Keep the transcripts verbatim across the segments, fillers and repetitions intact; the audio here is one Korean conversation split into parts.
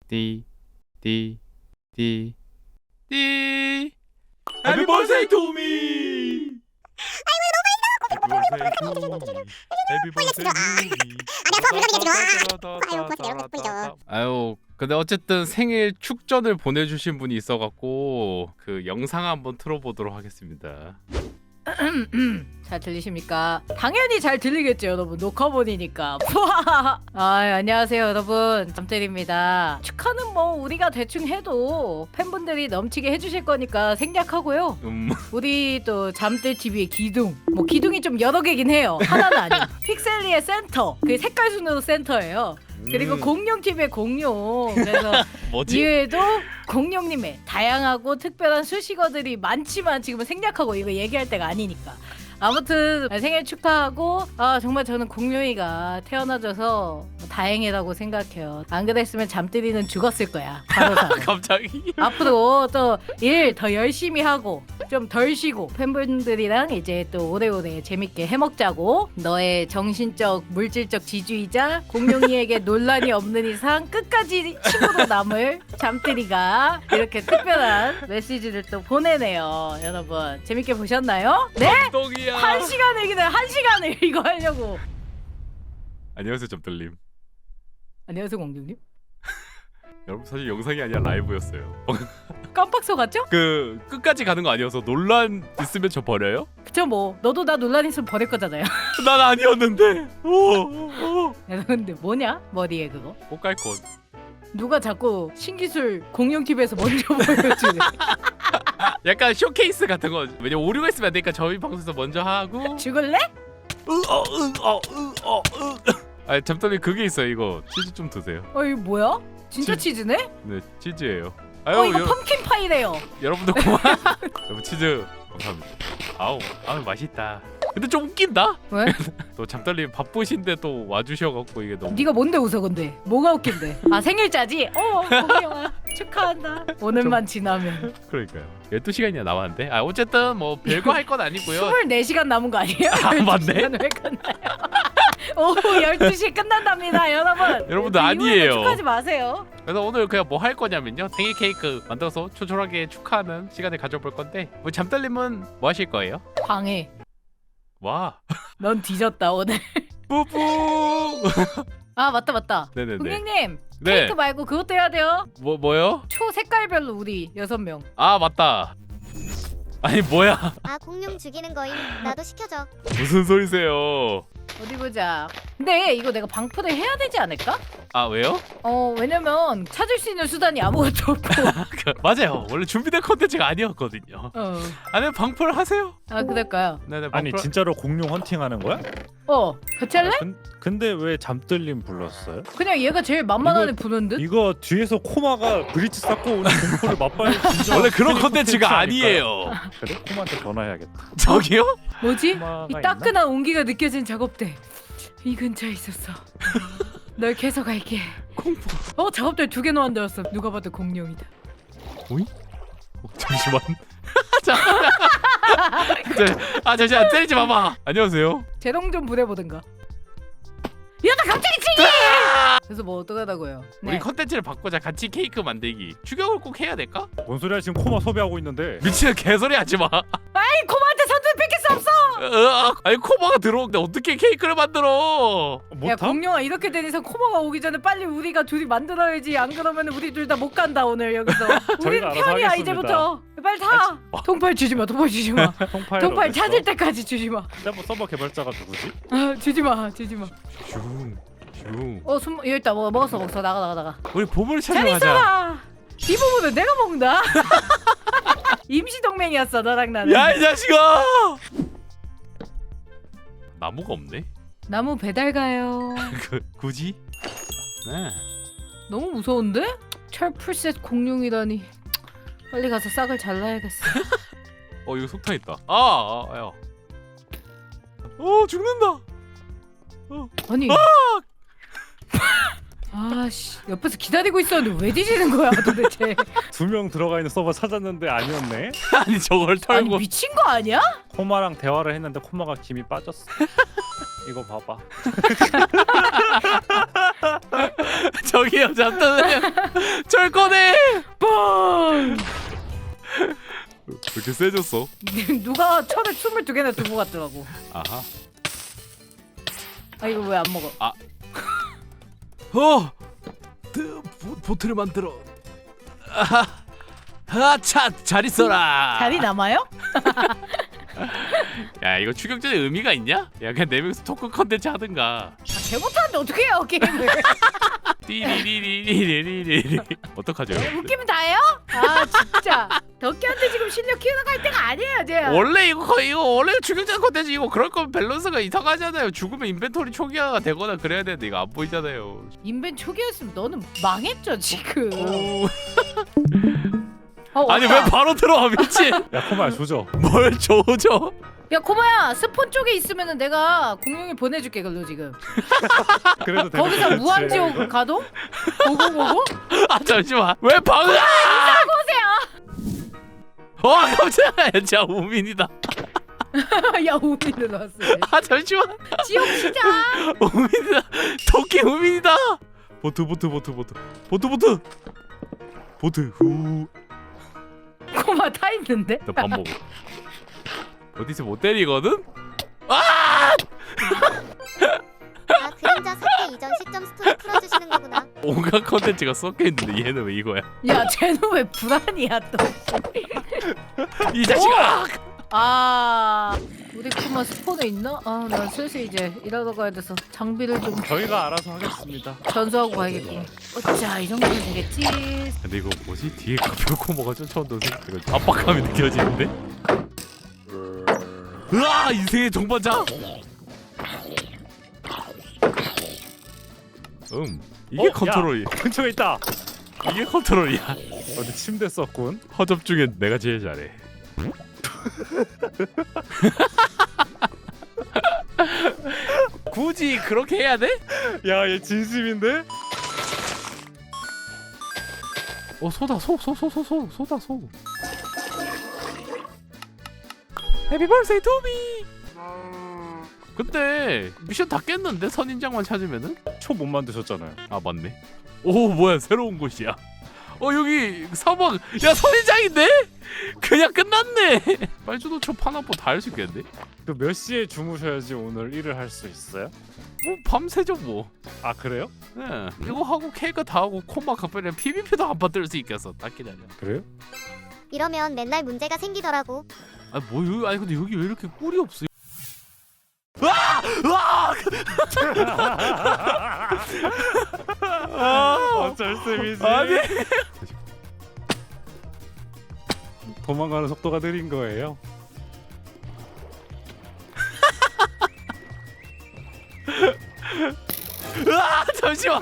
띠, 띠, 띠, 띠. Happy birthday to me. Happy birthday to me. Happy birthday to me. 아유, 근데 어쨌든 생일 축전을 보내주신 분이 있어갖고 그 영상 한번 틀어보도록 하겠습니다. 잘 들리십니까? 당연히 잘 들리겠죠 여러분, 녹화본이니까. 아, 안녕하세요 여러분, 잠들입니다. 축하는 뭐 우리가 대충 해도 팬분들이 넘치게 해주실 거니까 생략하고요. 음. 우리 또 잠들티비의 기둥, 뭐 기둥이 좀 여러 개긴 해요, 하나는 아니고. 픽셀리의 센터, 그 색깔 순으로 센터예요. 그리고 음. 공룡티비의 공룡. 그래서 뭐지? 이외에도 공룡님의 다양하고 특별한 수식어들이 많지만 지금은 생략하고 이거 얘기할 때가 아니니까. 아무튼 생일 축하하고, 아 정말 저는 공룡이가 태어나줘서 다행이라고 생각해요. 안 그랬으면 잠들이는 죽었을 거야, 바로사. 갑자기? 앞으로 또 일 더 열심히 하고 좀 덜 쉬고 팬분들이랑 이제 또 오래오래 재밌게 해먹자고. 너의 정신적 물질적 지주이자 공룡이에게 논란이 없는 이상 끝까지 친구로 남을 잠들이가 이렇게 특별한 메시지를 또 보내네요. 여러분 재밌게 보셨나요? 네? 똥이야. 한 시간을 그냥 한 시간을 이거 하려고. 안녕하세요, 점들님. 안녕하세요 공룡님. 여러분 사실 영상이 아니라 라이브였어요. 깜빡 속았죠? 그 끝까지 가는 거 아니어서 논란 있으면 저 버려요? 그쵸, 뭐 너도 나 논란 있으면 버릴 거잖아요. 난 아니었는데. 오, 오. 근데 뭐냐 머리에 그거? 꽃갈콘. 누가 자꾸 신기술 공룡티비에서 먼저 보여주네. 약간 쇼케이스 같은 거. 왜냐 오류가 있으면 안 되니까 저희 방송에서 먼저 하고. 죽을래? 으어으어으어. 아 잠깐만 그게 있어요. 이거 치즈 좀 드세요. 어 이거 뭐야? 진짜 치- 치즈네? 네 치즈예요. 아유 어 이거 여, 펌킨 파이래요. 여러분들 고마워. 여러분 치즈 감사합니다. 아우 아우 맛있다. 근데 좀 웃긴다. 왜? 또 잠들님 바쁘신데 또 와주셔갖고 이게 너무. 네가 뭔데 웃어 근데? 뭐가 웃긴데? 아 생일자지? 어 공룡아 축하한다. 오늘만 지나면 그러니까요. 열두 시간이나 남았는데. 아 어쨌든 뭐 별거 할 건 아니고요. 스물네 시간 남은 거 아니에요? 아, 맞네. 열두 시간 왜 끝나요? 오후 열두 시에 끝난답니다 여러분. 여러분들 그 아니에요. 이후에는 축하하지 마세요. 그래서 오늘 그냥 뭐 할 거냐면요. 생일 케이크 만들어서 초촐하게 축하하는 시간을 가져볼 건데 뭐 잠들님은 뭐 하실 거예요? 방해. 와 넌 뒤졌다 오늘. 뿌뿌. 아 맞다 맞다. 네네네. 공룡님 네. 케이크 말고 그것도 해야 돼요. 뭐 뭐요? 초 색깔별로 우리 여섯 명. 아 맞다. 아니 뭐야? 아 공룡 죽이는 거임. 나도 시켜줘. 무슨 소리세요? 어디 보자. 근데 이거 내가 방풀을 해야 되지 않을까? 아 왜요? 어 왜냐면 찾을 수 있는 수단이 아무것도 없고. 그, 맞아요. 원래 준비된 컨텐츠가 아니었거든요. 어. 아니 방풀 하세요. 아 그럴까요? 네네. 아니 방풀... 진짜로 공룡 헌팅하는 거야? 어 같이 할래? 아, 근, 근데 왜 잠들림 불렀어요? 그냥 얘가 제일 만만하네 부는 듯. 이거 뒤에서 코마가 브릿지 쌓고 오는 공포를 맛봐야 진짜 원래 그런 팬이 컨텐츠가 콘텐츠 아니에요. 그래? 코마한테 전화해야겠다. 저기요? 뭐지? 코마가 이 있나? 따끈한 온기가 느껴진 작업대. 이 근처에 있었어. 널 계속 갈게. 공포. 어 작업대 두 개 놓았더었어. 누가 봐도 공룡이다. 오이? 어, 잠시만. 자, 자, 아 잠시만 때리지 마봐. 안녕하세요. 재롱 좀 부려보든가. 야나 갑자기 치기! 그래서 뭐 어떡하다고요? 우리 네. 컨텐츠를 바꾸자. 같이 케이크 만들기. 추격을 꼭 해야 될까? 뭔 소리야 지금 코마 섭외하고 있는데. 미치는 개소리 하지 마. 아이 코마한테 선수 뺏길 수 없어. 으악, 아니 코바가 들어오는데 어떻게 케이크를 만들어? 야 못함? 공룡아 이렇게 된 이상 코마가 오기 전에 빨리 우리가 둘이 만들어야지. 안 그러면 우리 둘 다 못 간다 오늘 여기서. 우린 알아서 편이야 하겠습니다. 이제부터. 빨리 타. 통팔 주지 마. 통팔 주지 마. 통파일 통팔 어딨어? 찾을 때까지 주지 마. 근데 뭐 서버 개발자가 누구지? 아 주지 마. 주지 마. 슝, 슝. 어 숨 여기 있다. 뭐 먹었어 먹었어. 나가 나가 나가. 우리 보물 잘 찾으러 가자. 있어라. 이 부분은 내가 먹는다. 임시 동맹이었어 너랑 나는. 야 이 자식아! 나무가 없네. 나무 배달 가요. 그 굳이? 네. 너무 무서운데? 철 풀셋 공룡이라니. 빨리 가서 싹을 잘라야겠어. 어 이거 속탄 있다. 아, 아 야. 어 죽는다. 아니. 아씨 옆에서 기다리고 있었는데 왜 뒤지는 거야 도대체? 두 명 들어가 있는 서버 찾았는데 아니었네. 아니 저걸 아니 털고. 미친 거 아니야? 코마랑 대화를 했는데 코마가 김이 빠졌어. 이거 봐봐. 저기요 잠깐만요. 절 꺼내. 뻥! 왜 이렇게 세졌어? 누가 철을 스물두 개나 두고 갔더라고. 아하. 아 이거 왜 안 먹어? 어. 드, 보, 보트를 만들어. 아하. 아차 잘 있어라. 자리 남아요? 야 이거 추격전에 의미가 있냐? 야 그냥 네 명이서 토크 컨텐츠 하든가. 아, 개 못하는데 어떻게 해요 게임을? 띠리리리리리리리. 어떡하죠? 웃기면 다예요? 아 진짜 덕기한테 지금 실력 키워나갈 때가 아니에요 쟤. 원래 이거 거의 이거 원래 추격전 컨텐츠 이거 그럴 거면 밸런스가 이상하잖아요. 죽으면 인벤토리 초기화가 되거나 그래야 되는데 이거 안 보이잖아요. 인벤 초기였으면 너는 망했죠 지금. 오. 어, 아니 왔다. 왜 바로 들어와 미친? 야 코마야 조져. 뭘 조져? 야 코마야 스폰 쪽에 있으면은 내가 공룡이 보내줄게 그걸로 지금. 그래도 되는 거기서 거지. 무한지옥 가도? 고고고고? 아 잠시만 왜 방금? 보세요. 와 깜짝이야 진짜 우민이다. 야 우민을 왔어. 아 잠시만 지옥 시작. 우민이다. 토끼 우민이다. 보트 보트 보트 보트 보트 보트 보트 후. 코마 타 있는데? 나 밥 먹어. 어디서 못 때리거든? 아! 아 그림자 삭제 이전 시점 스토리 풀어주시는 거구나. 온갖 컨텐츠가 섞여 있는데 얘는 왜 이거야? 야 쟤는 왜 불안이야 또? 이 자식아! 아 우리 코마 스폰에 있나? 아 나 슬슬 이제 일하러 가야 돼서 장비를 좀 저희가 알아서 하겠습니다. 전수하고 가야겠구나. 어짜 이 정도면 되겠지. 근데 이거 뭐지? 뒤에 가벼코모가 쫓아온다는 생각 압박감이 느껴지는데? 으아! 인생의 동반자! 음 이게 어? 컨트롤이 근처에 있다. 이게 컨트롤이야. 어디 침대 썼군. 허접 중에 내가 제일 잘해. 굳이 그렇게 해야 돼? 야 얘 진심인데? 어 소다 소 소 소 소 소 소다 소. 해피 벌스데이 투미. 근데 미션 다 깼는데 선인장만 찾으면은? 초 못 만드셨잖아요. 아 맞네. 오 뭐야 새로운 곳이야. 어 여기 사막. 야 선인장인데? 그냥 끝났네. 빨주노 초 파나포 다 할 수 있겠는데? 그 몇 시에 주무셔야지 오늘 일을 할 수 있어요? 뭐 밤새죠 뭐. 아 그래요? 네. 이거 하고 케이크 다 하고 코마 각별이랑 피비피도 한 번 뜰 수 있겠어. 딱 기다려. 그래요? 이러면 맨날 문제가 생기더라고. 아뭐 여기 아니 근데 여기 왜 이렇게 꿀이 없어? 아! 아! 아! 어쩔 셈이지. 아니. 도망가는 속도가 느린 거예요. 아 잠시만.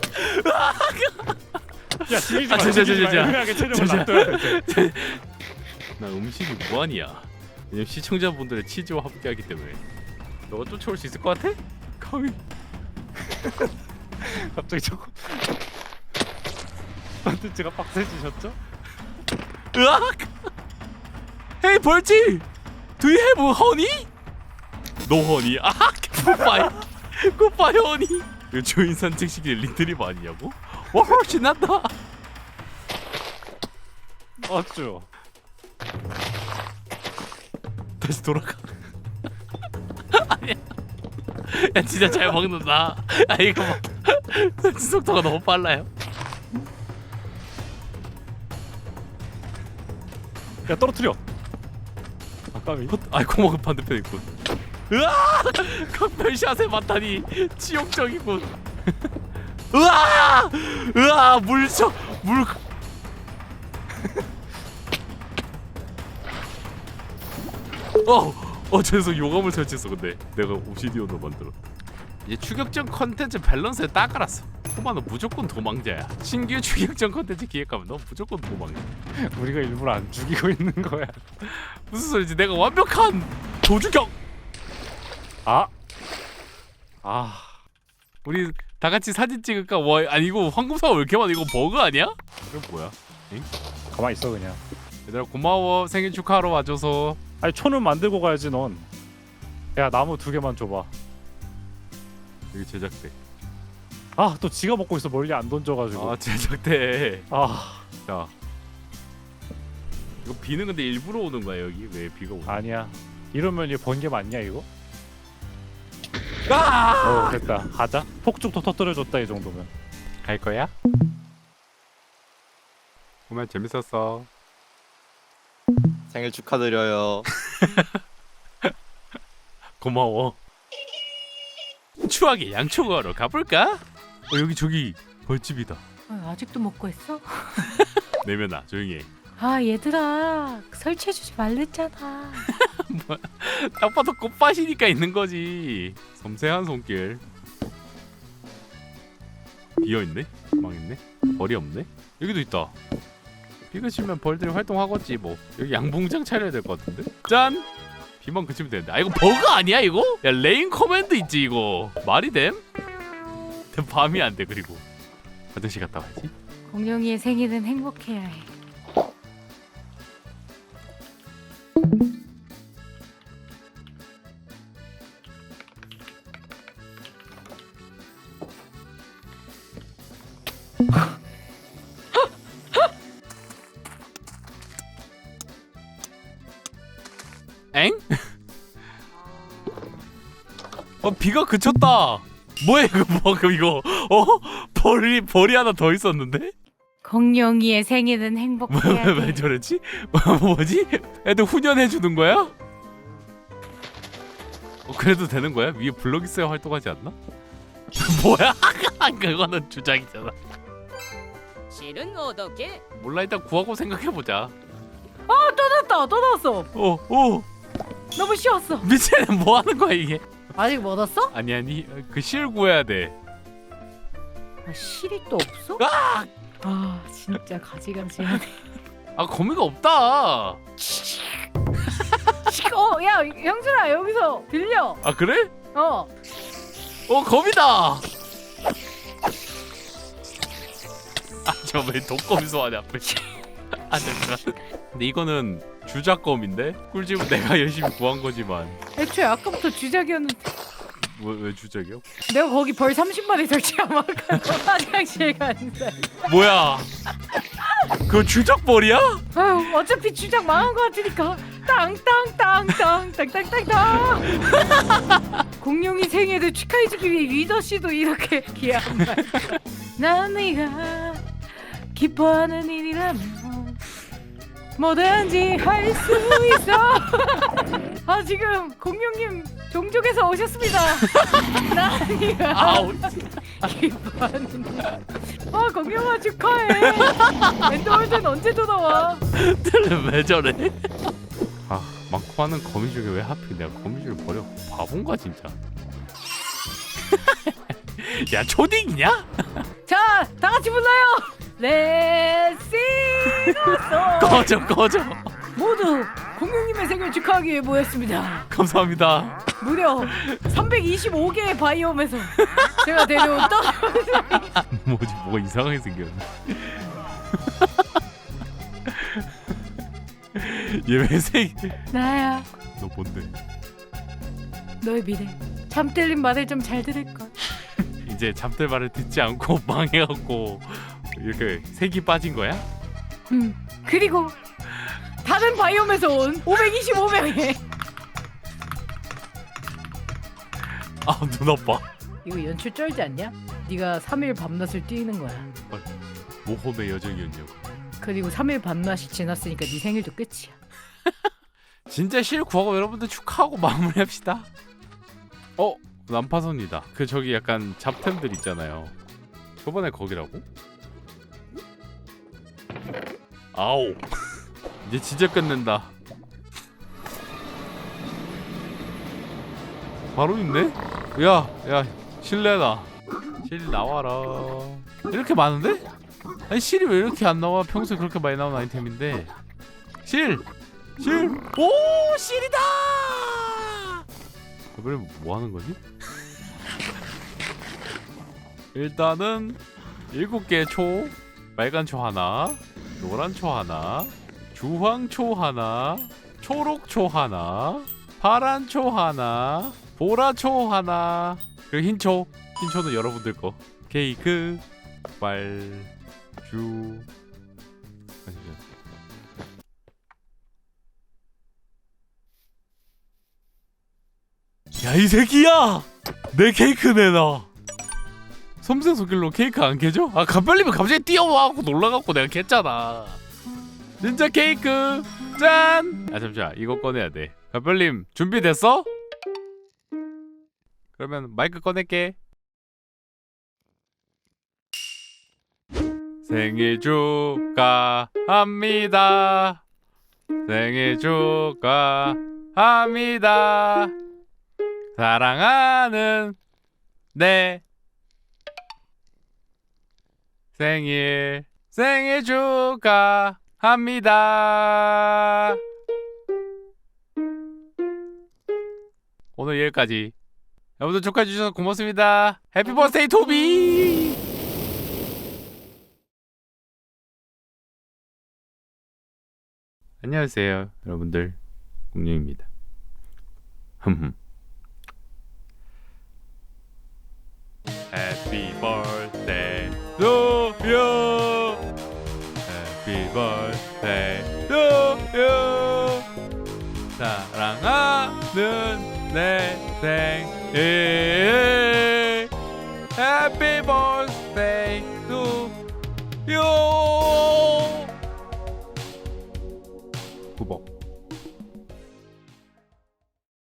야 죽이지 마. 아, 저, 저, 저, 죽이지 마. 저, 저. 은하계 체력을 저, 저. 놔둬야 돼. 나 음식이 무한이야. 왜냐면 시청자분들의 치즈와 함께하기 때문에. 너가 쫓아올 수 있을 것 같아? 가위. 갑자기 저거 컨텐츠가 빡세지셨죠? 으악! 헤이 벌지! Do you have honey? No honey. 아, 굿바이. 굿바이 honey. 이거 주인 산책시키는 리트립 아니냐고? 와, 신난다. 어쭈. 다시 돌아가. 아니야. 야 진짜 잘 먹는다. 아 이거 막 속도가 너무 빨라요. 야 떨어뜨려. 아까비. 아이 고마운 반대편 있군. 으아! 각별샷에 맞다니 지옥적이군. 으아! 으아 물쳐 물. 어, 어 죄송 요감을 설치했어. 근데 내가 오시디오로 만들었다. 이제 추격전 컨텐츠 밸런스에 딱 알았어. 코마는 무조건 도망자야. 신규 추격전 컨텐츠 기획하면 너 무조건 도망자. 우리가 일부러 안 죽이고 있는 거야. 무슨 소리지? 내가 완벽한 도주경. 아. 아. 우리 다 같이 사진 찍을까? 와 아니 이거 황금사가 왜 이렇게 많아? 이거 버그 아니야? 이거 뭐야? 가만히 있어 그냥. 얘들아 고마워 생일 축하하러 와줘서. 아니 초는 만들고 가야지 넌. 야 나무 두 개만 줘봐. 여기 제작대. 아 또 지가 먹고 있어 멀리 안 던져가지고. 아 제작대. 아 자 이거 비는 근데 일부러 오는 거야 여기? 왜 비가 오는 거야? 아니야. 이러면 이거 번개 맞냐 이거? 아! 어 됐다. 가자. 폭죽 더 터뜨려줬다 이 정도면. 갈 거야? 정말 재밌었어. 생일 축하드려요. 고마워. 추하게 양초가로 가볼까? 어 여기 저기 벌집이다. 어, 아직도 먹고 있어? 내면아 조용히 해. 아 얘들아 설치해주지 말랬잖아. 딱 봐도 꽃밭이니까 있는 거지. 섬세한 손길. 비어있네? 망했네? 벌이 없네? 여기도 있다. 비가 치면 벌들이 활동하겠지 뭐. 여기 양봉장 차려야 될 것 같은데? 짠! 비만 그치면 되는데. 아 이거 버그 아니야 이거? 야 레인 커맨드 있지 이거. 말이 됨? 밤이 안 돼. 그리고 화장실 갔다 와야지. 공룡이의 생일은 행복해야 해. 엥? 어 비가 그쳤다. 뭐야 이거 방금 이거 어? 벌이 벌이 하나 더 있었는데? 공룡이의 생일은 행복해야 왜, 왜 해. 저랬지? 뭐지? 애들 훈련해 주는 거야? 어, 그래도 되는 거야? 위에 블럭 있어야 활동하지 않나? 뭐야? 그거는 주작이잖아. 실은 어떻게? 몰라 일단 구하고 생각해 보자. 또 났다 또 났어. 어, 어, 너무 쉬웠어. 미친애 뭐 하는 거야 이게? 아직 못 왔어? 아니 아니 그 실 구해야 돼. 아, 실이 또 없어? 아, 아 진짜 가지가지하네. 아 거미가 없다. 어, 야 형준아 여기서 들려. 아 그래? 어. 어 거미다. 아저 왜 독거미 소환해 앞에? 아 잠깐. 근데 이거는 주작검인데 꿀집은 내가 열심히 구한 거지만 애초에 아까부터 주작이었는데 왜, 왜 주작이야? 내가 거기 벌 삼십 마리 설치하면 아까 화장실 간다. 뭐야? 그거 주작벌이야? 아유 어차피 주작 망한 거 같으니까 땅땅땅땅 땅땅땅땅. 공룡이 생일을 축하해주기 위해 리더 씨도 이렇게 귀한 말. 난 네가 기뻐하는 일이라면 뭐든지 할 수 있어. 아 지금 공룡님 종족에서 오셨습니다. 난 네가 아우 기뻐하는 일. 아 공룡아 축하해. 엔더월드는 언제 돌아와? 왜 저래? 아 많고 많은 거미 중에 왜 하필 내가 거미줄을 버려? 바본가 진짜. 야 초딩이냐? 자, 다 같이 불러요. Let's sing a song. 꺼져 꺼져. 모두 공룡님의 생일 축하하기 위해 모였습니다. 감사합니다. 무려 삼백이십오 개의 바이옴에서 제가 데려온 떠. 뭐지 뭐가 이상하게 생겼네. 얘 왜 생? 나야, 너 뭔데? 너의 미래. 잠 들린 말을 좀 잘 들을 걸. 이제 잠들 말을 듣지 않고 망해갖고 이렇게 색이 빠진 거야? 음. 그리고 다른 바이옴에서 온 오백이십오 명의. 아 눈 아파. 이거 연출 쩔지 않냐? 네가 삼 일 밤낮을 뛰는 거야. 모험의 여정이었냐고. 그리고 삼 일 밤낮이 지났으니까 네 생일도 끝이야. 진짜 실 구하고 여러분들 축하하고 마무리합시다. 어? 난파선이다. 그 저기 약간 잡템들 있잖아요. 저번에 거기라고? 아오. 이제 진짜 끝낸다. 바로 있네? 야, 야, 실내다. 실 나와라. 이렇게 많은데? 아니 실이 왜 이렇게 안 나와? 평소에 그렇게 많이 나오는 아이템인데. 실! 실! 오! 실이다! 이번에 뭐 하는 거지? 일단은 일곱 개 초, 빨간 초 하나, 노란 초 하나, 주황 초 하나, 초록 초 하나, 파란 초 하나, 보라 초 하나, 그리고 흰 초. 흰 초는 여러분들 거. 케이크 빨주. 야 이 새끼야! 내 케이크 내놔. 섬세한 손길로 케이크 안 캐줘? 아 간별님이 갑자기 뛰어와갖고 놀라갖고 내가 캤잖아. 진짜 케이크 짠! 아 잠시만 이거 꺼내야 돼. 간별님 준비됐어? 그러면 마이크 꺼낼게. 생일 축하합니다. 생일 축하합니다. 사랑하는 내 생일 생일 축하합니다. 오늘 여기까지. 여러분들 축하해 주셔서 고맙습니다. 해피 버스데이 토비. 안녕하세요 여러분들, 공룡입니다. 흠흠. Happy birthday to you. Happy birthday to you. 사랑하는 내 생일. Happy birthday to you.